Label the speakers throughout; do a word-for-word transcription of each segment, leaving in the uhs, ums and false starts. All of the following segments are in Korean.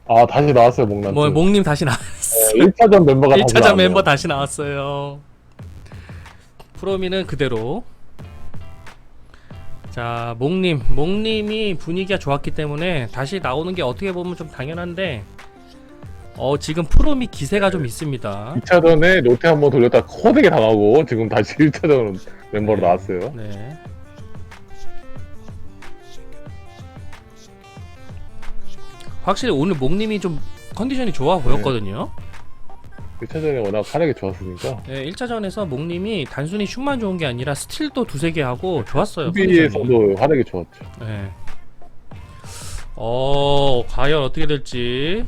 Speaker 1: 아, 다시 나왔어요, 목란트.
Speaker 2: 뭐 목님 다시
Speaker 1: 네,
Speaker 2: 나왔어.
Speaker 1: 일 차전 멤버가
Speaker 2: 일
Speaker 1: 다시
Speaker 2: 차전
Speaker 1: 나왔네요.
Speaker 2: 멤버 다시 나왔어요. 프로미는 그대로. 자, 목님, 목님이 분위기가 좋았기 때문에 다시 나오는 게 어떻게 보면 좀 당연한데, 어 지금 프로미 기세가 좀 있습니다.
Speaker 1: 이 차전에 롯데 한번 돌렸다 코덱에 당하고 지금 다시 일 차전 멤버로
Speaker 2: 네.
Speaker 1: 나왔어요.
Speaker 2: 네. 확실히 오늘 목님이 좀 컨디션이 좋아 보였거든요.
Speaker 1: 일 차전에 워낙 하락이 좋았으니까
Speaker 2: 네, 일 차전에서 목님이 단순히 슛만 좋은 게 아니라 스틸도 두세 개 하고 좋았어요. 컨디션이.
Speaker 1: 수비에서도 하락이 좋았죠.
Speaker 2: 네. 어, 과연 어떻게 될지.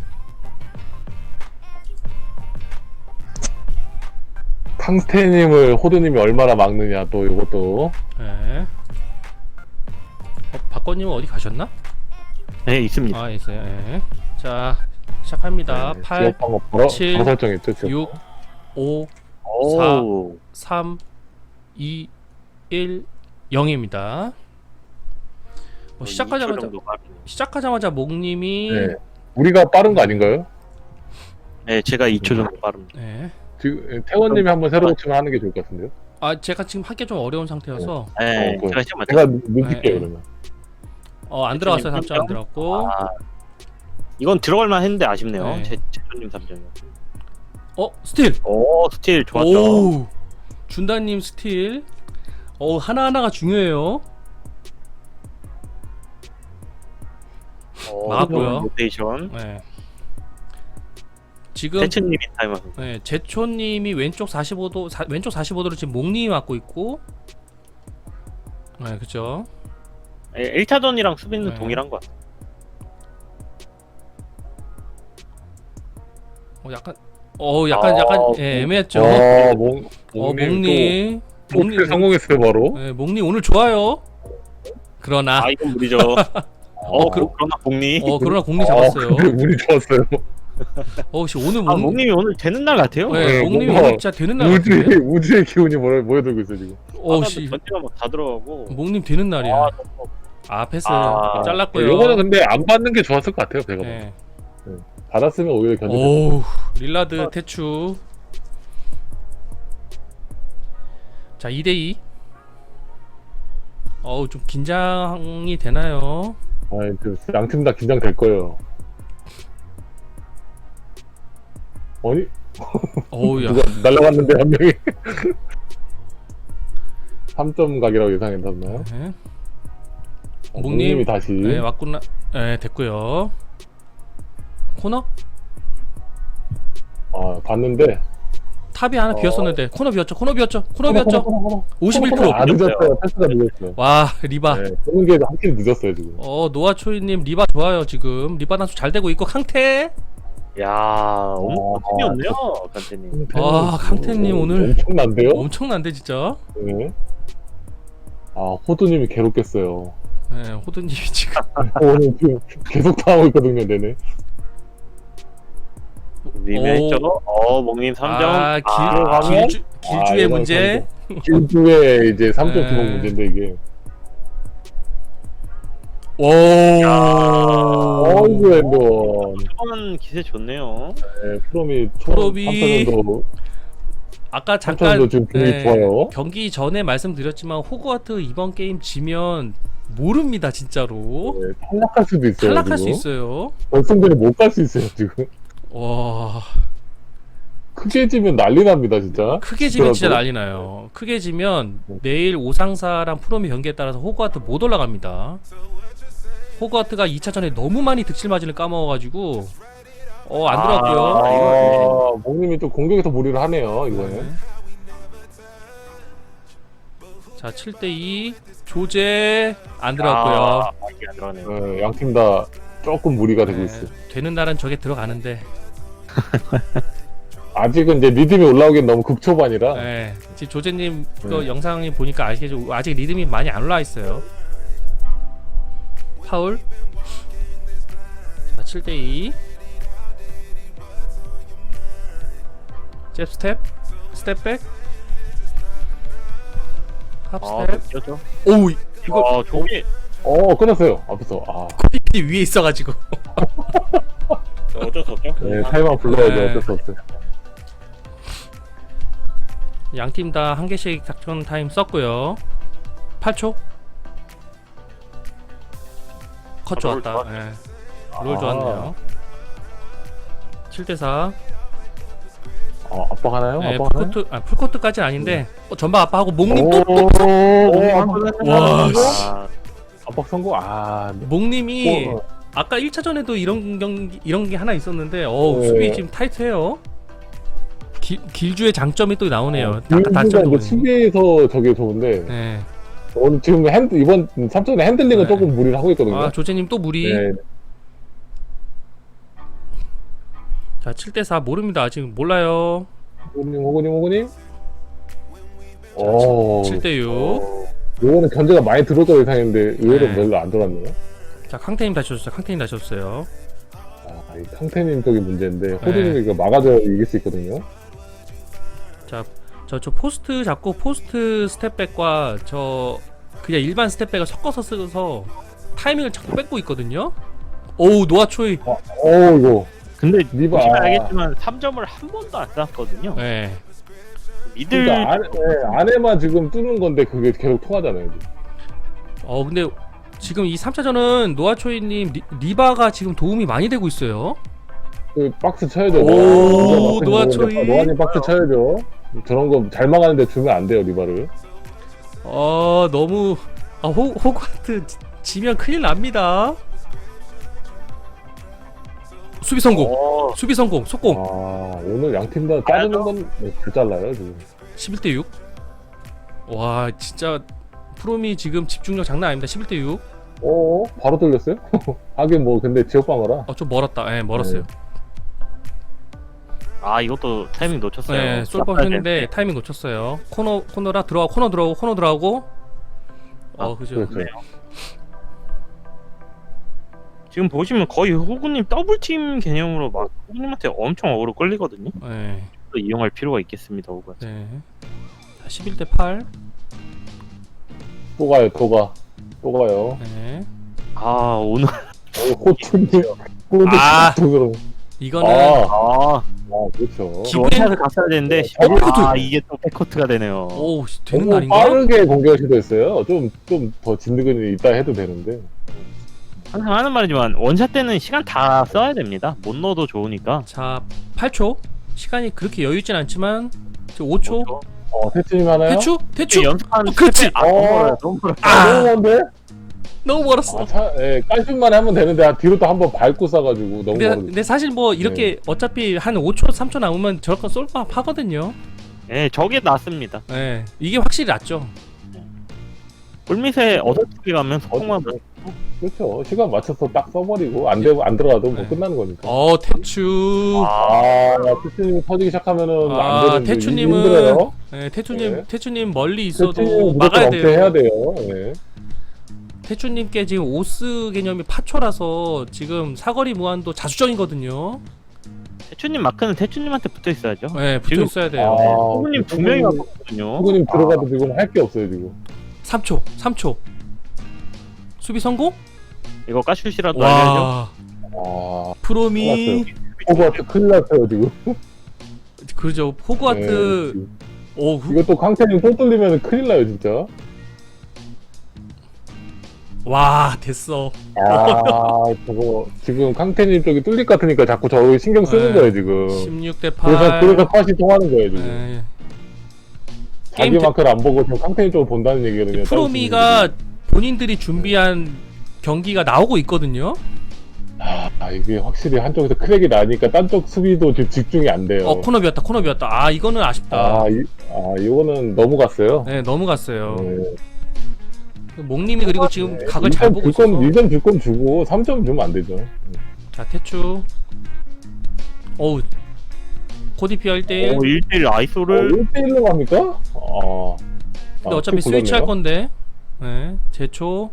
Speaker 1: 탕스테님을 호두님이 얼마나 막느냐 또 이것도.
Speaker 2: 네. 어, 박건님은 어디 가셨나?
Speaker 3: 네, 있습니다.
Speaker 2: 아, 있어요. 네. 자, 시작합니다.
Speaker 1: 네,
Speaker 2: 팔,
Speaker 1: 지역 방어 바로
Speaker 2: 칠,
Speaker 1: 바로 설정했죠. 지역
Speaker 2: 육, 오,
Speaker 3: 오,
Speaker 2: 삼, 이, 일, 영입니다. 뭐 시작하자마자 시작하자마자 목님이
Speaker 1: 네. 우리가 빠른 거 아닌가요?
Speaker 3: 네, 제가 이 초 정도 빠릅니다.
Speaker 2: 네.
Speaker 1: 지금 태원님이 한번 새로 고치면 하는 게 좋을 것 같은데요.
Speaker 2: 아, 제가 지금 하기 좀 어려운 상태여서
Speaker 3: 네,
Speaker 1: 어,
Speaker 3: 제가 시험 맞죠?
Speaker 1: 제가 눈칠게요
Speaker 2: 네.
Speaker 1: 그러면.
Speaker 2: 어, 안 들어갔어요. 삼 점 안 들어갔고.
Speaker 3: 아, 이건 들어갈만 했는데 아쉽네요.
Speaker 2: 네.
Speaker 3: 제 제초님 삼 점이요.
Speaker 2: 어, 스틸.
Speaker 3: 오, 스틸 좋았죠.
Speaker 2: 오, 준다님 스틸. 어, 하나하나가 중요해요.
Speaker 3: 오,
Speaker 2: 막았고요.
Speaker 3: 로테이션.
Speaker 2: 네. 지금
Speaker 3: 제초님이 타임아웃.
Speaker 2: 네, 제초님이 왼쪽 사십오 도 사, 왼쪽 사십오 도를 지금 목님이 맞고 있고. 네, 그죠.
Speaker 3: 일 차전이랑 수비는
Speaker 2: 네.
Speaker 3: 동일한 것 같아요.
Speaker 2: 어, 약간 어, 약간
Speaker 3: 아,
Speaker 2: 약간 예, 애매했죠.
Speaker 1: 어, 목,
Speaker 2: 어,
Speaker 1: 목님
Speaker 2: 목님.
Speaker 1: 또 목님 성공했어요 바로.
Speaker 2: 네, 목님 오늘 좋아요. 그러나
Speaker 3: 아, 이건 무리죠. 어, 그, 그러나 공리.
Speaker 2: 어, 그러나 공리
Speaker 1: 아,
Speaker 2: 잡았어요.
Speaker 1: 근데 운이 좋았어요.
Speaker 2: 어, 씨 오늘
Speaker 3: 아,
Speaker 2: 목
Speaker 3: 목님이 오늘 되는 날 같아요.
Speaker 2: 네,
Speaker 1: 네,
Speaker 2: 목님이
Speaker 1: 뭔가
Speaker 2: 오늘 진짜 되는 날
Speaker 1: 우주의
Speaker 2: 같은데.
Speaker 1: 우주의 기운이 모- 모여들고 있어 지금.
Speaker 2: 어, 씨.
Speaker 3: 전체가 막다 들어가고.
Speaker 2: 목님 되는 날이야.
Speaker 3: 아,
Speaker 2: 아, 패스
Speaker 3: 아,
Speaker 2: 잘랐고요.
Speaker 1: 요거는 근데 안 받는 게 좋았을 것 같아요. 제가
Speaker 2: 네.
Speaker 1: 보면. 받았으면 오히려 견제.
Speaker 2: 오, 릴라드 태추. 자, 이 대 이. 어우, 좀 긴장이 되나요?
Speaker 1: 양팀 다 긴장될 거예요. 아니
Speaker 2: 어우, 야.
Speaker 1: 누가 날라갔는데 한 명이 삼 점 각이라고 예상했었나요?
Speaker 2: 네.
Speaker 1: 어,
Speaker 2: 목님.
Speaker 1: 목님이 다시
Speaker 2: 네, 왔구나. 네, 됐고요. 코너?
Speaker 1: 아 봤는데
Speaker 2: 탑이 하나
Speaker 1: 어.
Speaker 2: 비었었는데 코너 비었죠. 코너 비었죠. 코너 비었죠. 오십일 퍼센트.
Speaker 1: 아 늦었어요. 패스가 늦었어요.
Speaker 2: 와, 리바.
Speaker 1: 네, 보는 게 확실히 늦었어요 지금.
Speaker 2: 어, 노아초이님 리바 좋아요 지금. 리바 단수 잘 되고 있고 강태.
Speaker 3: 야, 엄청 팀이었네요, 간태님.
Speaker 2: 아, 강태님 오늘
Speaker 1: 엄청난데요?
Speaker 2: 엄청난데 진짜.
Speaker 1: 네. 아 호두님이 괴롭겠어요.
Speaker 2: 네, 호두님이 지금.
Speaker 1: 오늘 지금 계속 당하고 있거든요, 내내.
Speaker 3: 미미했죠. 어, 목님 삼 점.
Speaker 2: 아, 길,
Speaker 3: 아,
Speaker 1: 들어가면?
Speaker 2: 길주,
Speaker 1: 아,
Speaker 2: 길주의
Speaker 1: 이건
Speaker 2: 문제.
Speaker 1: 길주의 이제 삼 점
Speaker 2: 네.
Speaker 1: 기록 문제인데 이게.
Speaker 2: 오.
Speaker 1: 어이구 엔돈.
Speaker 3: 초반 기세 좋네요.
Speaker 1: 네, 프롬이
Speaker 2: 프롬이-
Speaker 1: 초반도
Speaker 2: 아까
Speaker 1: 잠깐
Speaker 2: 잠깐
Speaker 1: 지금 분위기
Speaker 2: 네,
Speaker 1: 좋아요.
Speaker 2: 경기 전에 말씀드렸지만 호그와트 이번 게임 지면 모릅니다 진짜로.
Speaker 1: 네, 탈락할 수도 있어요.
Speaker 2: 탈락할 수
Speaker 1: 지금.
Speaker 2: 있어요.
Speaker 1: 결승전에 못 갈 수 있어요 지금.
Speaker 2: 와,
Speaker 1: 크게 지면 난리 납니다 진짜.
Speaker 2: 크게 지면 진짜
Speaker 1: 그래도-
Speaker 2: 난리 나요. 크게 지면
Speaker 1: 네.
Speaker 2: 내일 오상사랑 프롬이 경기에 따라서 호그와트 못 올라갑니다. 호그와트가 이 차전에 너무 많이 득실마진을 까먹어가지고 어, 안 들어갔고요.
Speaker 1: 아, 목님이 또 공격에서 무리를 하네요 이번에.
Speaker 2: 네. 자, 칠 대 이 조제 안 들어갔고요.
Speaker 3: 아, 이게 안 들어가네요.
Speaker 1: 네, 양팀 다 조금 무리가 되고
Speaker 2: 네,
Speaker 1: 있어요.
Speaker 2: 되는 날은 저게 들어가는데
Speaker 1: 아직은 이제 리듬이 올라오기엔 너무 극초반이라.
Speaker 2: 네, 지금 조제님 그
Speaker 1: 네.
Speaker 2: 영상이 보니까 아시겠죠? 아직 리듬이 많이 안 올라와 있어요. 파울. 자, 칠 대 이. 잽 스텝, 스텝백, 합
Speaker 3: 아,
Speaker 2: 스텝.
Speaker 3: 뛰었죠.
Speaker 2: 오우, 이거
Speaker 3: 아, 저게
Speaker 1: 어 끊었어요 앞에서. 아
Speaker 2: 코디피 위에 있어가지고.
Speaker 3: 수 없죠.
Speaker 1: 네, 타이머 불러야죠.
Speaker 2: 네.
Speaker 1: 어쩔 수 없어요.
Speaker 2: 양 팀 다 한 개씩 작전 타임 썼고요. 팔 초. 컷
Speaker 3: 아, 롤
Speaker 2: 좋았다.
Speaker 3: 좋았네.
Speaker 2: 예. 롤
Speaker 1: 아.
Speaker 2: 좋았네요. 칠 대 사.
Speaker 1: 어, 압박하나요?
Speaker 2: 네,
Speaker 1: 압박하나요?
Speaker 2: 풀코트, 아, 풀코트까지는 아닌데 어, 전방 아빠하고 목님 또,
Speaker 1: 오,
Speaker 2: 또, 또.
Speaker 1: 오,
Speaker 2: 와,
Speaker 1: 압박,
Speaker 2: 씨.
Speaker 3: 아,
Speaker 1: 압박 성공. 아,
Speaker 2: 목님이
Speaker 1: 어,
Speaker 2: 아까 일 차전에도 이런 경기 이런 게 하나 있었는데 어
Speaker 1: 네.
Speaker 2: 수비 지금 타이트해요. 길, 길주의 장점이 또 나오네요. 아까
Speaker 1: 길주가
Speaker 2: 단점도
Speaker 1: 이제
Speaker 2: 보니.
Speaker 1: 수비에서 저게 좋은데
Speaker 2: 네.
Speaker 1: 오늘 지금 핸드 이번 삼 점의 핸들링은
Speaker 2: 네.
Speaker 1: 조금 무리를 하고 있거든요.
Speaker 2: 아 조제님 또 무리.
Speaker 1: 네.
Speaker 2: 자 칠 대 사 모릅니다. 지금 몰라요.
Speaker 1: 호구님, 호구님, 호구님. 오,
Speaker 2: 칠 대 육.
Speaker 1: 요거는 견제가 많이 들어져 예상했는데 의외로
Speaker 2: 네.
Speaker 1: 별로 안 들어왔네요.
Speaker 2: 자 캉테님 다시 줬어요. 캉테님 다시 줬어요.
Speaker 1: 아, 이 캉테님 쪽이 문제인데
Speaker 2: 네.
Speaker 1: 호두님이 이거 막아줘야 이길 수 있거든요.
Speaker 2: 자 저 저 포스트 잡고 포스트 스텝백과 저 그냥 일반 스텝백을 섞어서 쓰서 타이밍을 자꾸 뺏고 있거든요. 오우 노아초이.
Speaker 1: 오 이거
Speaker 3: 근데
Speaker 1: 리바.
Speaker 3: 보시면 알겠지만 삼 점을 한 번도 안 쐈거든요.
Speaker 2: 네.
Speaker 3: 미들
Speaker 1: 그러니까 안에, 네, 안에만 지금 뚫는 건데 그게 계속 통하잖아요. 지금.
Speaker 2: 어 근데 지금 이 삼 차전은 노아초이님 리, 리바가 지금 도움이 많이 되고 있어요.
Speaker 1: 그 박스 쳐야죠.
Speaker 2: 오,
Speaker 1: 노아-
Speaker 2: 노아초이.
Speaker 1: 노아님 박스 쳐야죠. 저런 거 잘 막았는데 주면 안 돼요 리바를.
Speaker 2: 어 너무 아, 호, 호그와트 지- 지면 큰일 납니다. 수비 성공.
Speaker 3: 어,
Speaker 2: 수비 성공. 속공.
Speaker 1: 아 오늘 양 팀 다 자르는 건잘 잘라요 지금.
Speaker 2: 십일 대 육. 와 진짜 프롬이 지금 집중력 장난 아닙니다. 십일 대 육.
Speaker 1: 오 바로 뚫렸어요? 하긴 뭐 근데 지역 방어라.
Speaker 2: 어 좀 멀었다. 예, 멀었어요.
Speaker 3: 아 이것도 타이밍 놓쳤어요.
Speaker 2: 네, 쏠법 했는데 타이밍 놓쳤어요. 코너 코너라 들어가 코너 들어가고 코너 들어가고. 어
Speaker 3: 아,
Speaker 2: 그죠.
Speaker 1: 그렇죠.
Speaker 3: 그래요? 지금 보시면 거의 호구님 더블팀 개념으로 막 호구님한테 엄청 어그로 끌리거든요.
Speaker 2: 네.
Speaker 3: 또 이용할 필요가 있겠습니다, 호구.
Speaker 2: 네. 자, 십일 대 팔.
Speaker 1: 또 가요 또 가. 또 가요.
Speaker 2: 네.
Speaker 3: 아 오늘
Speaker 1: 호투님 호투
Speaker 2: 아.
Speaker 1: 호투로.
Speaker 2: 이거는
Speaker 1: 아,
Speaker 3: 아
Speaker 1: 아 그렇죠.
Speaker 2: 기-
Speaker 3: 원샷을 갔어야 되는데
Speaker 1: 어,
Speaker 2: 백코트!
Speaker 3: 아 이게 또 백코트가 되네요.
Speaker 2: 오 되는
Speaker 1: 너무
Speaker 2: 날인가?
Speaker 1: 빠르게 공격을 시도했어요. 좀 좀 더 진드근이 있다 해도 되는데.
Speaker 3: 항상 하는 말이지만 원샷 때는 시간 다 써야 됩니다. 못 넣어도 좋으니까.
Speaker 2: 자 팔 초. 시간이 그렇게 여유 있진 않지만 지금 오 초.
Speaker 1: 어 태치님 하나요?
Speaker 2: 대추? 대추?
Speaker 3: 연습하는
Speaker 2: 어, 그렇지.
Speaker 3: 아, 너무
Speaker 1: 어.
Speaker 3: 멀어요, 너무 멀어요.
Speaker 2: 아!
Speaker 1: 너무 먼데?
Speaker 2: 너무 멀었어.
Speaker 1: 아, 차, 예, 깔끔만 하면 되는데 아, 뒤로 또 한번 밟고 싸가지고 너무
Speaker 2: 근데,
Speaker 1: 멀어.
Speaker 2: 근데 사실 뭐 이렇게 어차피 한 오 초, 삼 초 남으면 저렇게 쏠밥 하거든요.
Speaker 3: 네, 저게 낫습니다.
Speaker 2: 네, 이게 확실히 낫죠.
Speaker 3: 골밑에 어설프게 가면 소통만
Speaker 1: 어, 그렇죠. 시간 맞춰서 딱 써버리고 안 되고 안 들어가도 뭐
Speaker 2: 네.
Speaker 1: 끝나는 거니까.
Speaker 2: 어 태추.
Speaker 1: 아, 태추님이 터지기 시작하면은
Speaker 2: 아,
Speaker 1: 안 되는데
Speaker 2: 태추님은
Speaker 1: 힘들어요.
Speaker 2: 네, 태추님,
Speaker 1: 네.
Speaker 2: 태추님 멀리
Speaker 1: 태추님
Speaker 2: 있어도
Speaker 1: 무조건
Speaker 2: 막아야
Speaker 1: 억제해야
Speaker 2: 돼요.
Speaker 1: 돼요. 네.
Speaker 2: 태추님께 지금 오스 개념이 파초라서 지금 사거리 무한도 자수정이거든요.
Speaker 3: 태추님 마크는 태추님한테 붙어 있어야죠.
Speaker 2: 네, 붙어
Speaker 3: 지금-
Speaker 2: 있어야 돼요.
Speaker 1: 아,
Speaker 3: 호구님 두 명이 맞거든요.
Speaker 1: 후구님 들어가도 지금 할 게 없어요 지금.
Speaker 2: 삼 초, 삼 초. 수비 성공?
Speaker 3: 이거 까슛이라도 알려야죠.
Speaker 2: 와,
Speaker 1: 아,
Speaker 2: 프롬이
Speaker 1: 호구한테 큰일 났어요 지금.
Speaker 2: 그죠. 호그와트.
Speaker 1: 네,
Speaker 2: 오, 후,
Speaker 1: 이거 또 강태님 또 뚫리면 큰일 나요 진짜.
Speaker 2: 와 됐어.
Speaker 1: 아 저거 지금 강태님 쪽이 뚫릴 것 같으니까 자꾸 저 신경 쓰는
Speaker 2: 네.
Speaker 1: 거예요 지금.
Speaker 2: 십육 대
Speaker 1: 그래서
Speaker 2: 팔.
Speaker 1: 그래서 컷이 통하는 거예요 지금.
Speaker 2: 네.
Speaker 1: 자기
Speaker 2: 게임
Speaker 1: 마크를 안 보고 지금 강태님 쪽을 본다는 얘기거든요.
Speaker 2: 프로미가 본인들이 준비한 경기가 나오고 있거든요.
Speaker 1: 아 이게 확실히 한쪽에서 크랙이 나니까 딴 쪽 수비도 지금 집중이 안 돼요.
Speaker 2: 어 코너 비었다, 코너 비었다. 아 이거는 아쉽다.
Speaker 1: 아, 이, 아 이거는 너무 갔어요.
Speaker 2: 네 너무 갔어요.
Speaker 1: 네.
Speaker 2: 목님이 그리고 지금
Speaker 1: 네.
Speaker 2: 각을 잘 보고 있어서.
Speaker 1: 일 점 줄 거면 주고 삼 점 주면 안 되죠.
Speaker 2: 자 태추. 어우 코디피아 일 대 일.
Speaker 3: 오, 일 대일 아이소를
Speaker 1: 일 대 일로 갑니까? 아.
Speaker 2: 근데 어차피 스위치 할 건데. 네 제초.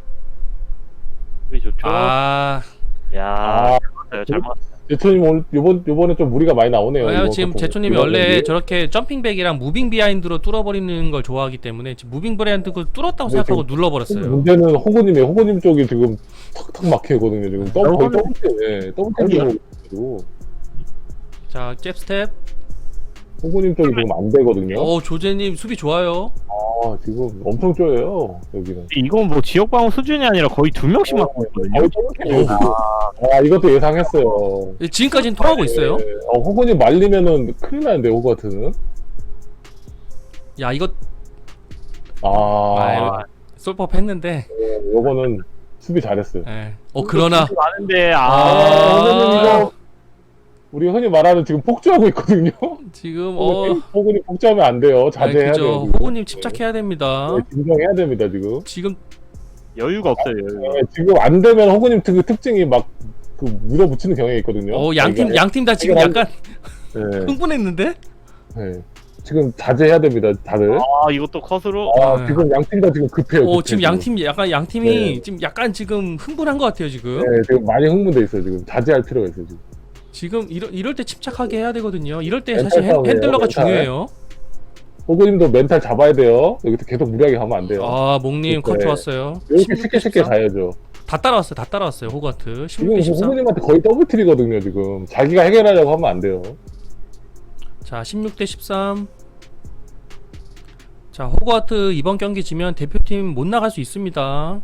Speaker 3: 왜 좋죠?
Speaker 2: 아
Speaker 3: 야,
Speaker 1: 아,
Speaker 3: 잘 맞았어요. 잘 맞았어요.
Speaker 1: 제초님 오늘 요번 요번에 좀 무리가 많이 나오네요.
Speaker 2: 왜냐면
Speaker 1: 이번
Speaker 2: 지금
Speaker 1: 같은
Speaker 2: 제초님이
Speaker 1: 거.
Speaker 2: 원래
Speaker 1: 이번
Speaker 2: 저렇게 점핑백이랑 무빙 비하인드로 뚫어버리는 걸 좋아하기 때문에 지금 무빙 브레인드 그 뚫었다고
Speaker 1: 네,
Speaker 2: 생각하고
Speaker 1: 지금
Speaker 2: 눌러버렸어요.
Speaker 1: 문제는 호구님이 호구님 쪽이 지금 턱턱 막히거든요. 지금 더블 거의 더블 예, 더블
Speaker 3: 아니요.
Speaker 1: 로 돼가지고
Speaker 2: 자, 잽스텝.
Speaker 1: 호구님 쪽이 지금 안 되거든요.
Speaker 2: 어, 조제님 수비 좋아요.
Speaker 1: 아 지금 엄청 쪼여요 여기는.
Speaker 3: 이건 뭐 지역 방어 수준이 아니라 거의 두 명씩 맞고 있거든요.
Speaker 1: 거의 더블킬이에요, 지금. 아 이것도 예상했어요.
Speaker 2: 예, 지금까지는 통하고 있어요.
Speaker 1: 네. 어, 호구님 말리면은 큰일 나는데 호구 같은.
Speaker 2: 야, 이거
Speaker 1: 아,
Speaker 2: 아유, 솔법 했는데.
Speaker 1: 네, 요거는 수비 잘했어요.
Speaker 2: 예. 어, 그러나
Speaker 3: 많은데
Speaker 1: 아,
Speaker 3: 아,
Speaker 1: 호구님 이거 우리 흔히 말하는 지금 폭주하고 있거든요.
Speaker 2: 지금 어
Speaker 1: 호구님 폭주하면 안 돼요.
Speaker 2: 아,
Speaker 1: 자제해야
Speaker 2: 그죠.
Speaker 1: 돼요. 지금.
Speaker 2: 호구님 침착해야 됩니다.
Speaker 1: 네, 진정해야 됩니다 지금.
Speaker 2: 지금
Speaker 3: 여유가 없어요. 여유가.
Speaker 1: 네, 지금 안 되면 호구님 그 특징이 막 그 물어붙이는 경향이 있거든요.
Speaker 2: 어 양팀
Speaker 1: 자기가-
Speaker 2: 양팀 다 지금
Speaker 1: 자기가-
Speaker 2: 약간
Speaker 1: 네,
Speaker 2: 흥분했는데?
Speaker 1: 네. 지금 자제해야 됩니다 다들.
Speaker 3: 아 이것도 컷으로.
Speaker 1: 아,
Speaker 2: 네.
Speaker 1: 지금 양팀 다 지금 급해요.
Speaker 2: 어
Speaker 1: 급해,
Speaker 2: 지금 양팀 약간 양팀이
Speaker 1: 네.
Speaker 2: 지금 약간 지금 흥분한 것 같아요 지금.
Speaker 1: 네, 지금 많이 흥분돼 있어요 지금. 자제할 필요가 있어요 지금.
Speaker 2: 지금 이럴 이럴 때 침착하게 해야 되거든요. 이럴 때
Speaker 1: 멘탈
Speaker 2: 사실 핸,
Speaker 1: 싸움이에요,
Speaker 2: 핸들러가
Speaker 1: 멘탈.
Speaker 2: 중요해요.
Speaker 1: 호구님도 멘탈 잡아야 돼요. 여기서 계속 무리하게 가면 안 돼요.
Speaker 2: 아 목님 컷
Speaker 1: 네.
Speaker 2: 좋았어요.
Speaker 1: 이렇게 쉽게 쉽게 가야죠.
Speaker 2: 다 따라왔어요. 다 따라왔어요. 호가트 십육
Speaker 1: 지금
Speaker 2: 대 십삼.
Speaker 1: 호구님한테 거의 더블킬이거든요 지금. 자기가 해결하려고 하면 안 돼요.
Speaker 2: 자 십육 대 십삼. 자 호가트 이번 경기 지면 대표팀 못 나갈 수 있습니다.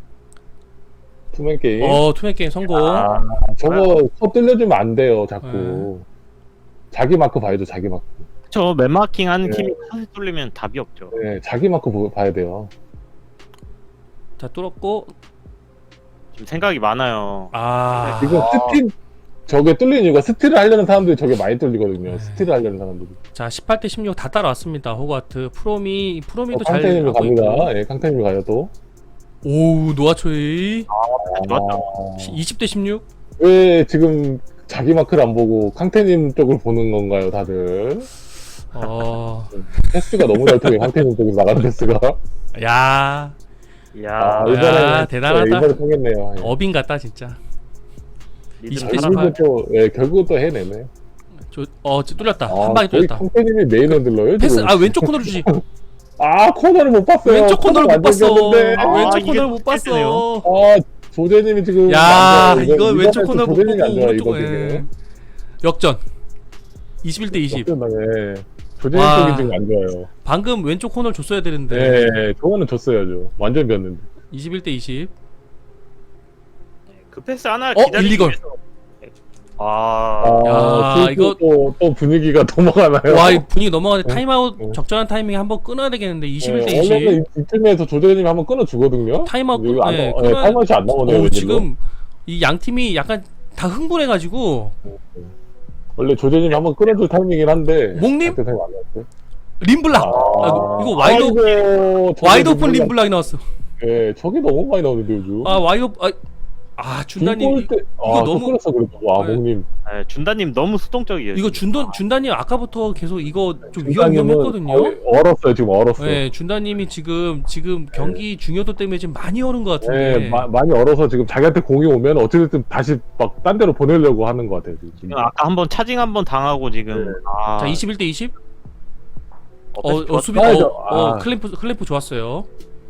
Speaker 1: 투맨 게임.
Speaker 2: 어 투맨 게임 성공.
Speaker 3: 아,
Speaker 1: 저거 코 뚫려주면 안 돼요 자꾸.
Speaker 2: 네.
Speaker 1: 자기 마크 봐야죠 자기 마크.
Speaker 3: 저 맨마킹 한
Speaker 1: 네.
Speaker 3: 팀이 컷을 뚫리면 답이 없죠.
Speaker 1: 네, 자기 마크 보, 봐야 돼요.
Speaker 2: 자 뚫었고
Speaker 3: 지금 생각이 많아요.
Speaker 2: 아
Speaker 1: 지금
Speaker 3: 아.
Speaker 1: 스틸 저게 뚫리는 이유가 스틸을 하려는 사람들이 저게 많이 뚫리거든요.
Speaker 2: 네.
Speaker 1: 스틸을 하려는 사람들이.
Speaker 2: 자 십팔 대 십육 다 따라왔습니다. 호가트 프로미
Speaker 1: 어,
Speaker 2: 프로미도 잘
Speaker 1: 캉테님이
Speaker 2: 하고
Speaker 1: 갑니다.
Speaker 2: 있고.
Speaker 1: 예, 캉테님이 가요 또.
Speaker 2: 오우 노아초이
Speaker 3: 좋았다.
Speaker 1: 아,
Speaker 2: 이십 대 십육.
Speaker 1: 왜 지금 자기 마크를 안 보고 캉테님 쪽을 보는 건가요, 다들?
Speaker 2: 어,
Speaker 1: 패스가 너무 잘 통해, 캉테님 쪽에서 나가는 패스가.
Speaker 2: 야
Speaker 3: 이야.
Speaker 1: 아,
Speaker 2: 야,
Speaker 1: 이번에
Speaker 2: 대단하다.
Speaker 1: 이번에 통했네요. 예.
Speaker 2: 어빈 같다 진짜.
Speaker 3: 리듬
Speaker 2: 이십 대
Speaker 3: 살아나.
Speaker 1: 결국은 또, 예, 결국은 또 해내네.
Speaker 2: 저, 어 저- 뚫렸다.
Speaker 1: 아,
Speaker 2: 한 방에
Speaker 1: 거의
Speaker 2: 뚫렸다.
Speaker 1: 캉테님이 메인 핸들러요,
Speaker 2: 패스
Speaker 1: 지금.
Speaker 2: 아 왼쪽 코너로 주지.
Speaker 1: 아, 코너를 못 봤어요.
Speaker 2: 왼쪽 코너를 못
Speaker 1: 완전
Speaker 2: 봤어.
Speaker 1: 비었는데.
Speaker 3: 아,
Speaker 2: 왼쪽
Speaker 3: 이게
Speaker 2: 코너를 못
Speaker 3: 패스네요.
Speaker 2: 봤어.
Speaker 1: 아, 조재님이 지금.
Speaker 2: 야
Speaker 1: 안 좋아요.
Speaker 2: 이거
Speaker 1: 이번-
Speaker 2: 왼쪽
Speaker 1: 이번에
Speaker 2: 코너
Speaker 1: 또
Speaker 2: 못
Speaker 1: 조재님이 안
Speaker 2: 보고
Speaker 1: 좋아요,
Speaker 2: 오른쪽
Speaker 1: 이번
Speaker 2: 예.
Speaker 1: 경기는.
Speaker 2: 역전. 이십일 대 이십.
Speaker 1: 역전당해. 조재님
Speaker 2: 와.
Speaker 1: 쪽이 지금 안 좋아요.
Speaker 2: 방금 왼쪽 코너를 줬어야 되는데.
Speaker 1: 네, 저거는 줬어야죠. 완전 비었는데.
Speaker 2: 이십일 대 이십.
Speaker 3: 그 패스 하나
Speaker 2: 어,
Speaker 3: 기다리기
Speaker 2: 일리걸.
Speaker 3: 위해서. 아,
Speaker 1: 아,
Speaker 2: 야,
Speaker 1: 슬슬
Speaker 2: 이거-
Speaker 1: 또, 또 분위기가 넘어가나요?
Speaker 2: 와, 이 분위기 넘어가는데
Speaker 1: 네.
Speaker 2: 타임아웃
Speaker 1: 네.
Speaker 2: 적절한 타이밍에 한번 끊어야 되겠는데 이십일 대
Speaker 1: 네,
Speaker 2: 이십.
Speaker 1: 원래는 이- 이쯤에서 조재님이 한번 끊어주거든요.
Speaker 2: 타임아웃
Speaker 1: 이거 안,
Speaker 2: 네,
Speaker 1: 네,
Speaker 2: 끊어야-
Speaker 1: 타임아웃이 안 나오네요.
Speaker 2: 어,
Speaker 1: 웬일로.
Speaker 2: 지금 이 양 팀이 약간 다 흥분해가지고
Speaker 1: 원래 조재님이 한번 끊어줄 타이밍이긴 한데.
Speaker 2: 목님?
Speaker 1: 그때 타임 안 나왔어요.
Speaker 2: 림블락. 아, 이거 와이드 오-
Speaker 1: 아이고, 저게
Speaker 2: 와이드 오픈
Speaker 1: 림블락.
Speaker 2: 림블락이 나왔어.
Speaker 1: 예, 저게 너무 많이 나오는데 요즘.
Speaker 2: 아 와이드 오- 아, 아 준다님
Speaker 1: 때, 아,
Speaker 2: 이거
Speaker 1: 또
Speaker 2: 너무-
Speaker 1: 끊었어 그래도. 와,
Speaker 2: 네.
Speaker 1: 목님.
Speaker 3: 네, 준다님 너무 수동적이에요.
Speaker 2: 이거
Speaker 3: 지금.
Speaker 2: 준돈 준다님 아까부터 계속 이거 좀 위험
Speaker 1: 중간님은
Speaker 2: 위험했거든요.
Speaker 1: 거의 얼었어요, 지금 얼었어. 네,
Speaker 2: 네, 준다님이 지금 지금 경기 중요도 때문에 지금 많이 얼은 것 같은데.
Speaker 1: 네, 마- 많이 얼어서 지금 자기한테 공이 오면 어찌됐든 다시 막 딴 데로 보내려고 하는 것 같아요. 지금.
Speaker 3: 지금 아까 한번 차징 한번 당하고 지금.
Speaker 1: 네.
Speaker 3: 아,
Speaker 2: 자 이십일 대 이십.
Speaker 3: 어,
Speaker 2: 어,
Speaker 3: 패스
Speaker 2: 어
Speaker 3: 좋았다.
Speaker 2: 수비
Speaker 1: 좋았어요.
Speaker 2: 어, 어
Speaker 1: 아.
Speaker 2: 클램프 클램프 좋았어요.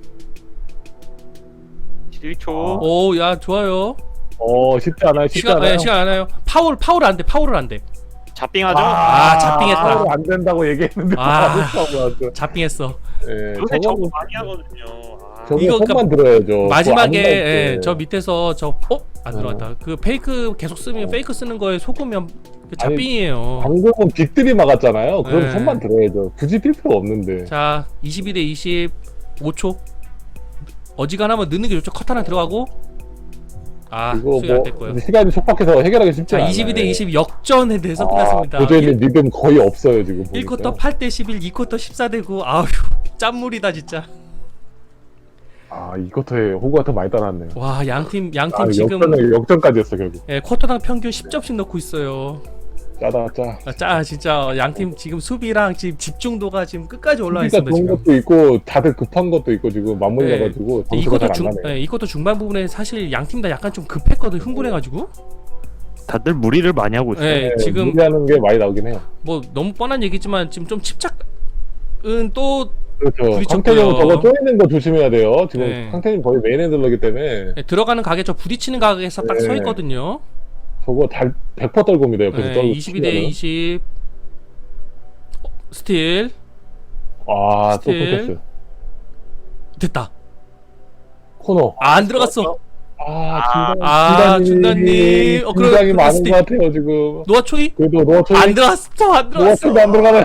Speaker 3: 일 초.
Speaker 1: 아.
Speaker 2: 오 야 좋아요.
Speaker 1: 어, 쉽지 않아요, 쉽지
Speaker 2: 시간
Speaker 1: 않아요.
Speaker 2: 네, 시간 안 와요. 파울 파울 안 돼. 파울을 안 돼.
Speaker 3: 잡빙하죠?
Speaker 2: 아, 잡빙했다.
Speaker 1: 파울 안 된다고 얘기했는데
Speaker 2: 아.
Speaker 1: 바로 파울 나왔죠.
Speaker 2: 잡빙했어.
Speaker 1: 예,
Speaker 3: 요새 저거
Speaker 1: 저거는
Speaker 3: 많이 하거든요. 아,
Speaker 1: 저거
Speaker 2: 이거
Speaker 1: 손만 들어야죠.
Speaker 2: 마지막에
Speaker 1: 그거 안
Speaker 2: 예,
Speaker 1: 나올 때.
Speaker 2: 저 밑에서 저 어? 안
Speaker 1: 어.
Speaker 2: 들어갔다. 그 페이크 계속 쓰면
Speaker 1: 어.
Speaker 2: 페이크 쓰는 거에 속으면 그 잡빙이에요.
Speaker 1: 방금은 빅들이 막았잖아요. 그럼
Speaker 2: 네.
Speaker 1: 손만 들어야죠. 굳이 뛸 필요 없는데.
Speaker 2: 자, 이십이 대 이십 오 초. 어지간하면 넣는 게 좋죠. 컷 하나 들어가고. 아,
Speaker 1: 이거
Speaker 2: 수비 안
Speaker 1: 뭐
Speaker 2: 됐고요.
Speaker 1: 시간이 촉박해서 해결하기 쉽지
Speaker 2: 자,
Speaker 1: 않아요.
Speaker 2: 이십이 대 이십 역전에 대해서
Speaker 1: 아,
Speaker 2: 끝났습니다.
Speaker 1: 도저히 리듬 거의 없어요 지금.
Speaker 2: 일
Speaker 1: 보니까.
Speaker 2: 쿼터 팔 대 십일, 이 쿼터 십사 대 구. 아휴, 짠물이다 진짜.
Speaker 1: 아, 이 쿼터에 호구가 더 많이 따랐네요.
Speaker 2: 와, 양팀 양팀
Speaker 1: 아,
Speaker 2: 지금
Speaker 1: 역전 역전까지 했어 결국.
Speaker 2: 예, 쿼터당 평균 십 점씩 넣고 있어요.
Speaker 1: 짜다 짜.
Speaker 2: 아, 짜 진짜 양팀 지금 수비랑 지금 집중도가 지금 끝까지 올라와
Speaker 1: 수비가
Speaker 2: 있습니다
Speaker 1: 좋은
Speaker 2: 지금.
Speaker 1: 것도 있고 다들 급한 것도 있고 지금 맞물려
Speaker 2: 네.
Speaker 1: 가지고
Speaker 2: 이
Speaker 1: 점수가
Speaker 2: 쿼터
Speaker 1: 잘
Speaker 2: 중,
Speaker 1: 안 나네.
Speaker 2: 예, 이 쿼터 중반 부분에 사실 양팀 다 약간 좀 급했거든 흥분해가지고.
Speaker 3: 다들 무리를 많이 하고 있어요.
Speaker 2: 예,
Speaker 1: 네,
Speaker 2: 지금
Speaker 1: 무리하는 게 많이 나오긴 해요.
Speaker 2: 뭐 너무 뻔한 얘기지만 지금 좀 침착은 또
Speaker 1: 그렇죠.
Speaker 2: 부딪혔고요.
Speaker 1: 캉테님 저거 쪼이는 거 조심해야 돼요. 지금
Speaker 2: 네.
Speaker 1: 캉테님 거의 메인 핸들러기 때문에.
Speaker 2: 예, 들어가는 가게 저 부딪히는 가게에서 딱 서
Speaker 1: 네.
Speaker 2: 있거든요.
Speaker 1: 저거 달 백 퍼센트 떨굽니다. 옆에서
Speaker 2: 네,
Speaker 1: 떨고
Speaker 2: 이십이 대
Speaker 1: 치면은.
Speaker 2: 이십. 어, 스틸.
Speaker 1: 아, 또
Speaker 2: 스틸.
Speaker 1: 포커스.
Speaker 2: 됐다.
Speaker 1: 코너.
Speaker 2: 아, 안 들어갔어.
Speaker 1: 아,
Speaker 2: 아,
Speaker 1: 중단,
Speaker 2: 중단님. 어, 그래,
Speaker 1: 굉장히
Speaker 2: 그래,
Speaker 1: 많은
Speaker 2: 스틸.
Speaker 1: 것 같아요, 지금.
Speaker 2: 노아 초이?
Speaker 1: 그래도 노아초이,
Speaker 2: 안 들어갔어. 안 들어갔어.
Speaker 1: 노아초이도 안 들어가나요?